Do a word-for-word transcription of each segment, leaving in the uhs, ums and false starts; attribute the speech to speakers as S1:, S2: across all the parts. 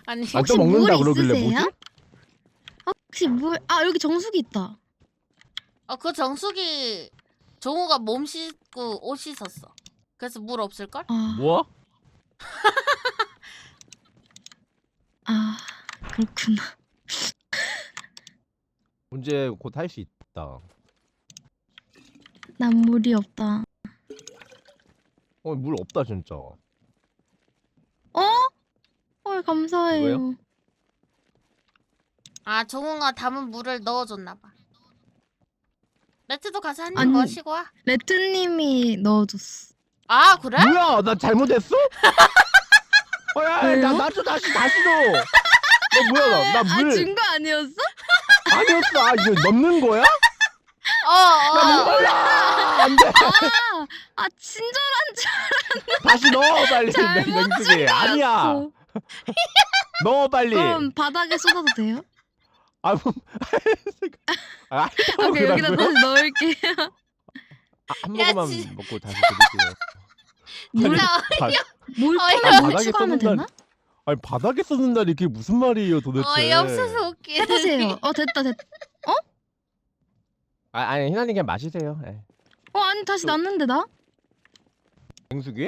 S1: 아니
S2: 아,
S3: 혹시
S2: 또 먹는다
S3: 물
S2: 그러길래
S3: 있으세요?
S2: 뭐지?
S3: 아, 혹시 물? 아 여기 정수기 있다.
S1: 어, 그 정수기 종우가 몸 씻고 옷 씻었어. 그래서 물 없을걸?
S3: 아,
S2: 뭐?
S3: 아 그렇구나.
S2: 문제 곧 할 수 있다.
S3: 난 물이 없다.
S2: 어, 물 없다 진짜.
S3: 어? 헐 감사해요.
S2: 왜요?
S1: 아 종우가 담은 물을 넣어줬나봐. 레트도 가서 한 입
S3: 아니.
S1: 마시고 와.
S3: 레트님이 넣어줬어.
S1: 아 그래?
S2: 뭐야? 나 잘못했어? 어, 야,
S3: 왜요?
S2: 나 나도 다시 다시 넣어. 너 뭐야? 나 물
S3: 아준 거 아니었어?
S2: 아니었어. 아, 이거 넣는 거야?
S1: 어어.
S2: 나 목말라. 안 돼.
S3: 아, 아 친절한 줄
S2: 다시 넣어 빨리.
S3: 잘못
S2: 냉수기. 아니야.
S3: 알았어.
S2: 넣어 빨리.
S3: 그럼 바닥에 쏟아도 돼요?
S2: 아, 뭐, 아,
S3: 오케이 여기다
S2: 그러라고요?
S3: 다시 넣을게요.
S2: 아, 한
S1: 야,
S2: 모금만
S1: 진-
S2: 먹고 다시 드릴게요.
S3: 물,
S1: 나
S2: 바,
S3: 물
S1: 어이,
S3: 컵에 물
S2: 바닥에
S3: 추가하면
S2: 쏟는다.
S3: 되나?
S2: 아니 바닥에 쏟는다니 그게 무슨 말이에요 도대체?
S1: 어이없어서 웃기네.
S3: 해보세요. 어 됐다 됐다.
S2: 아, 아니 희나님 그냥 마시세요. 예.
S3: 어 아니 다시
S2: 또-
S3: 났는데 나?
S2: 냉수기?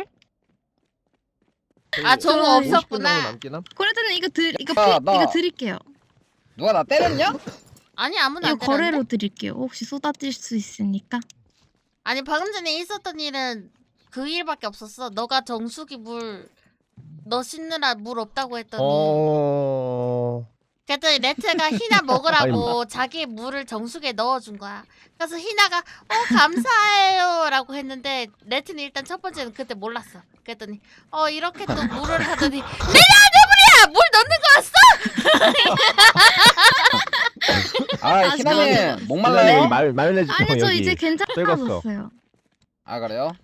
S1: 아, 종우
S3: 좋아요.
S2: 오십 분
S1: 없었구나.
S2: 정도 남긴 함?
S3: 그래도는 이거 드 이거
S4: 아,
S3: 피,
S4: 나-
S3: 이거 드릴게요.
S4: 누가 나 때렸냐?
S1: 아니 아무나
S3: 이거
S1: 안 때렸는데?
S3: 거래로 드릴게요. 혹시 쏟아질 수 있으니까.
S1: 아니 방금 전에 있었던 일은 그 일밖에 없었어. 너가 정수기 물 너 씻느라 물 없다고 했더니
S2: 어...
S1: 그랬더니 레트가 희나 먹으라고 자기 물을 정수기에 넣어준 거야. 그래서 희나가 어 감사해요 라고 했는데 레트는 일단 첫 번째는 그때 몰랐어. 그랬더니 어 이렇게 또 물을 하더니 내가 내 물이야! 물 넣는 거였어?
S4: 아,
S3: 아,
S4: 희나님
S2: 희나님
S4: 목말라요?
S2: 마, 마요네즈
S3: 아니 저
S2: 여기
S3: 이제
S2: 떼갔어.
S3: 괜찮아졌어요.
S4: 아 그래요?